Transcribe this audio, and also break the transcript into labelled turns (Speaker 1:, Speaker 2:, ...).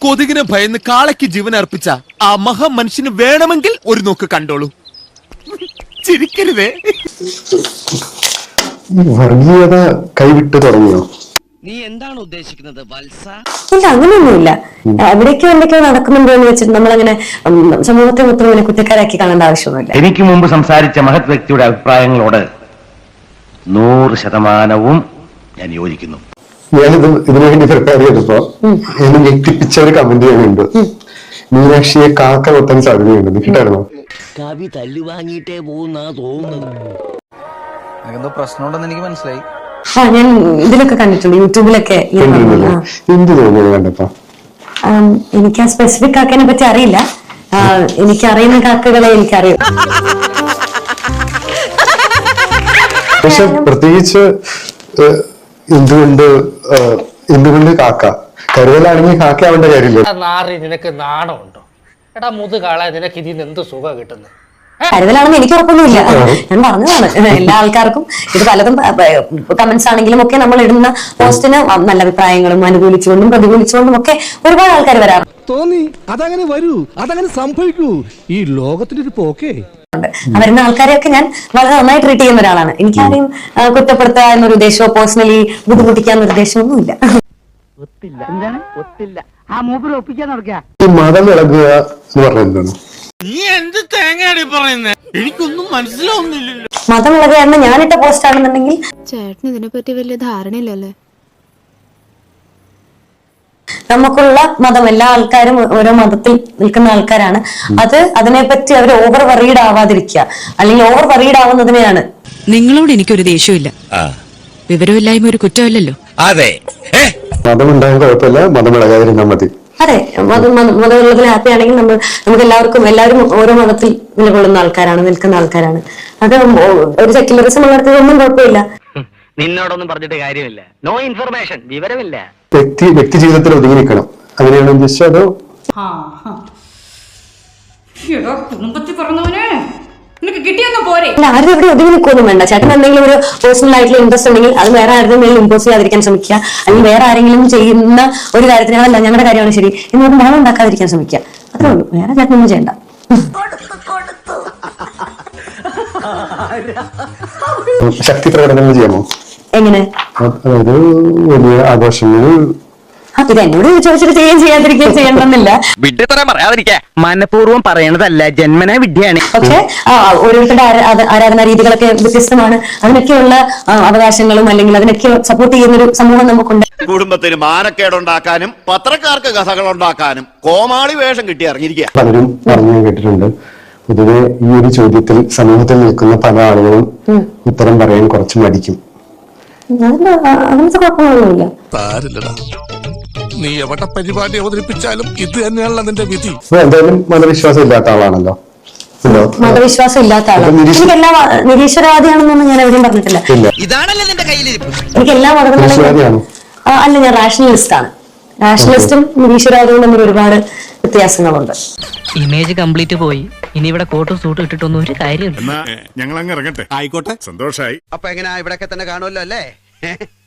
Speaker 1: കൊതുകിനെ ഭയന്ന് കാളയ്ക്ക് ജീവൻ അർപ്പിച്ച ആ മഹാമനുഷ്യന് വേണമെങ്കിൽ ഒരു നോക്ക് കണ്ടോളൂ. ചിരിക്കരുതേ.
Speaker 2: വർഗീയത കൈവിട്ട് തുടങ്ങിയോ?
Speaker 3: നീ എന്താണ് ഉദ്ദേശിക്കുന്നത് വത്സ?
Speaker 4: ഇല്ല, അങ്ങനെയൊന്നുമില്ല. എവിടേക്കോ എന്തൊക്കെയോ നടക്കുന്നുണ്ടോ എന്ന് വെച്ചിട്ട് നമ്മളങ്ങനെ സമൂഹത്തെ മൊത്തം ഇങ്ങനെ കുറ്റക്കാരാക്കി കാണേണ്ട ആവശ്യമൊന്നുമില്ല.
Speaker 5: എനിക്ക് മുമ്പ് സംസാരിച്ച മഹത് വ്യക്തിയുടെ അഭിപ്രായങ്ങളോട് 100% ഞാൻ യോജിക്കുന്നു.
Speaker 2: ഞാനിത് ഇതിനുവേണ്ടി പ്രിപ്പയർ ചെയ്തപ്പോ എന്നെ ഞെട്ടിപ്പിച്ച ഒരു കമന്റ് ചെയ്യുന്നുണ്ട്. മീനാക്ഷിയെ കാക്ക കൊത്താൻ സാധ്യതയുണ്ട്. കിട്ടായിരുന്നോ?
Speaker 3: കവി തല്ലുവാങ്ങിയിട്ടേ പോകുന്നാ തോന്നുന്നത്.
Speaker 6: എന്തോ പ്രശ്നമുണ്ടെന്ന് എനിക്ക് മനസ്സിലായി.
Speaker 4: ഞാൻ ഇതിലൊക്കെ കണ്ടിട്ടുണ്ട്, യൂട്യൂബിലൊക്കെ.
Speaker 2: എന്ത് തോന്നിയത് കണ്ടപ്പോ?
Speaker 4: എനിക്ക് ആ സ്പെസിഫിക് കാക്കനെ പറ്റി അറിയില്ല. എനിക്കറിയുന്ന കാക്കകളെ എനിക്കറിയാം.
Speaker 2: പക്ഷെ പ്രത്യേകിച്ച് എന്തുകൊണ്ട് കാക്ക? കരുതലാണെങ്കിൽ കാക്ക ആവേണ്ട കാര്യമില്ല.
Speaker 7: നിനക്ക് നാണമുണ്ടോ? എടാ മുതുകാളെ, നിനക്ക് ഇതിന് എന്ത് സുഖം കിട്ടുന്നത്?
Speaker 4: കരുതലാണെന്ന് എനിക്ക് ഉറപ്പൊന്നുമില്ല. ഞാൻ പറഞ്ഞതാണ്, എല്ലാ ആൾക്കാർക്കും ഇത് പലതും കമന്റ്സ് ആണെങ്കിലും ഒക്കെ നമ്മൾ ഇടുന്ന പോസ്റ്റിന് നല്ല അഭിപ്രായങ്ങളും അനുകൂലിച്ചുകൊണ്ടും പ്രതികൂലിച്ചുകൊണ്ടും ഒക്കെ ഒരുപാട് ആൾക്കാർ വരാറുണ്ട്.
Speaker 8: തോന്നി അതങ്ങനെ വരൂ, അതങ്ങനെ സംഭവിക്കൂ. ഈ ലോകത്തിന്റെ ഒരു പോക്കേ.
Speaker 4: വരുന്ന ആൾക്കാരെയൊക്കെ ഞാൻ വളരെ നന്നായി ട്രീറ്റ് ചെയ്യുന്ന ഒരാളാണ്. എനിക്കാരെയും കുറ്റപ്പെടുത്തുക എന്നൊരു ഉദ്ദേശമോ പേഴ്സണലി ബുദ്ധിമുട്ടിക്കാന്നൊരു ഉദ്ദേശമൊന്നുമില്ല.
Speaker 2: ഈ മതം ഇളകുക എന്ന് പറഞ്ഞത്
Speaker 1: നീ എന്ത് തേങ്ങയാടി പറയുന്നേ? എനിക്കൊന്നും മനസ്സിലാവുന്നില്ലല്ലോ.
Speaker 4: മതം ഇളകുക ഞാനിട്ട പോസ്റ്റ് ആണെന്നുണ്ടെങ്കിൽ
Speaker 9: ചേട്ടന് ഇതിനെപ്പറ്റി വലിയ ധാരണയില്ലല്ലേ?
Speaker 4: നമുക്കുള്ള മതം, എല്ലാ ആൾക്കാരും ഓരോ മതത്തിൽ നിൽക്കുന്ന ആൾക്കാരാണ്. അതിനെപ്പറ്റി അവർ ഓവർ വറീഡ് ആവാതിരിക്കുക, അല്ലെങ്കിൽ ഓവർ വറീഡ് ആവുന്നതിനെയാണ്.
Speaker 10: നിങ്ങളോട് എനിക്കൊരു ദേഷ്യമില്ല. വിവരമില്ലായ്മ ഒരു കുറ്റമല്ലല്ലോ.
Speaker 5: അതെ,
Speaker 2: മതം ഉണ്ടാകാൻ കുഴപ്പമില്ല, മതം ഇളകാതിരുന്നാൽ മതി.
Speaker 4: അതെ, മതമുള്ളതിൽ ഹാപ്പി ആണെങ്കിൽ നമുക്ക് എല്ലാവരും ഓരോ മതത്തിൽ നിലകൊള്ളുന്ന ആൾക്കാരാണ്, നിൽക്കുന്ന ആൾക്കാരാണ്. അത് ഒരു സെക്യുലറിസം ഉള്ളിടത്തൊന്നും കുഴപ്പമില്ല.
Speaker 3: നിന്നോടൊന്നും പറഞ്ഞിട്ട് കാര്യമില്ല. നോ ഇൻഫർമേഷൻ, വിവരമില്ല.
Speaker 2: വ്യക്തി ജീവിതത്തിൽ ഒതുങ്ങി നിൽക്കണം, അങ്ങനെയാണോ ഉദ്ദേശിച്ചത്? അതോ
Speaker 9: കുടുംബത്തിൽ പറഞ്ഞവനെ നിനക്ക് കിട്ടിയൊന്നും പോരെ?
Speaker 4: ആരും എവിടെ ഒതുങ്ങി നിൽക്കൊന്നും വേണ്ട. ചേട്ടൻ എന്തെങ്കിലും ഒരു പേഴ്സണൽ ആയിട്ടുള്ള ഇൻട്രസ്റ്റ് ഉണ്ടെങ്കിൽ അത് വേറെ ആരുടെ മേലും ഇമ്പോസ് ചെയ്യാതിരിക്കാൻ ശ്രമിക്കുക, അല്ലെങ്കിൽ വേറെ ആരെങ്കിലും ചെയ്യുന്ന ഒരു കാര്യത്തിന് അതല്ല ഞങ്ങളുടെ കാര്യമാണ് ശരി എന്നൊരു മണം ഉണ്ടാക്കാതിരിക്കാൻ ശ്രമിക്കുക. അത്രേ ഉള്ളൂ, വേറെ ചേട്ടനൊന്നും ചെയ്യണ്ട.
Speaker 2: ശക്തി പ്രകടനങ്ങൾ ചെയ്യാമോ?
Speaker 4: എങ്ങനെ?
Speaker 2: അതായത് വലിയ ആഘോഷങ്ങൾ
Speaker 4: ഇത് എന്നോട് ചോദിച്ചിട്ട് ചെയ്യാതിരിക്കുകയും ചെയ്യണമെന്നില്ല.
Speaker 3: മനഃപൂർവ്വം പറയണതല്ല, ജന്മന വിദ്യയാണ്.
Speaker 4: പക്ഷെ ഓരോരുത്തരുടെ ആരാധനാ രീതികളൊക്കെ വ്യത്യസ്തമാണ്. അതിനൊക്കെയുള്ള അവകാശങ്ങളും അല്ലെങ്കിൽ അതിനൊക്കെ സപ്പോർട്ട് ചെയ്യുന്നൊരു സമൂഹം നമുക്കുണ്ട്.
Speaker 1: കുടുംബത്തിന് മാനക്കേടുണ്ടാക്കാനും പത്രക്കാർക്ക് കഥകൾ ഉണ്ടാക്കാനും കോമാളി വേഷം കിട്ടി ഇറങ്ങിയിരിക്കുക.
Speaker 2: പലരും പറഞ്ഞു കേട്ടിട്ടുണ്ട്. പൊതുവെ ഈ ഒരു ചോദ്യത്തിൽ സമൂഹത്തിൽ നിൽക്കുന്ന പല ആളുകളും ഉത്തരം പറയാൻ കുറച്ച് മടിക്കും.
Speaker 4: അങ്ങനത്തെ കുഴപ്പമൊന്നുമില്ല.
Speaker 8: നീ എവിടെ പരിപാടി അവതരിപ്പിച്ചാലും ഇത് തന്നെയാണല്ലോ നിന്റെ വിധി.
Speaker 2: എന്തായാലും മതവിശ്വാസം ഇല്ലാത്ത ആളാണല്ലോ.
Speaker 4: മതവിശ്വാസം ഇല്ലാത്ത ആളാണ്. എനിക്ക് എല്ലാ നിരീശ്വരവാദിയാണെന്നൊന്നും ഞാൻ എവിടെയും പറഞ്ഞിട്ടില്ല. എനിക്ക് എല്ലാ മതങ്ങളും അല്ല, ഞാൻ റാഷണലിസ്റ്റ് ആണ്. റാഷണലിസ്റ്റും നിരീശ്വരവാദിയും തമ്മിൽ ഒരുപാട് വ്യത്യാസങ്ങളുണ്ട്.
Speaker 3: ഇമേജ് കംപ്ലീറ്റ് പോയി. ഇനി ഇവിടെ കോട്ടും സൂട്ടും ഇട്ടിട്ടൊന്നും ഒരു കാര്യമില്ല.
Speaker 1: ഞങ്ങൾ അങ്ങ് ഇറങ്ങട്ടെ. ആയിക്കോട്ടെ, സന്തോഷായി.
Speaker 6: അപ്പൊ എങ്ങനെയാ, ഇവിടെയൊക്കെ തന്നെ കാണുമല്ലോ അല്ലേ?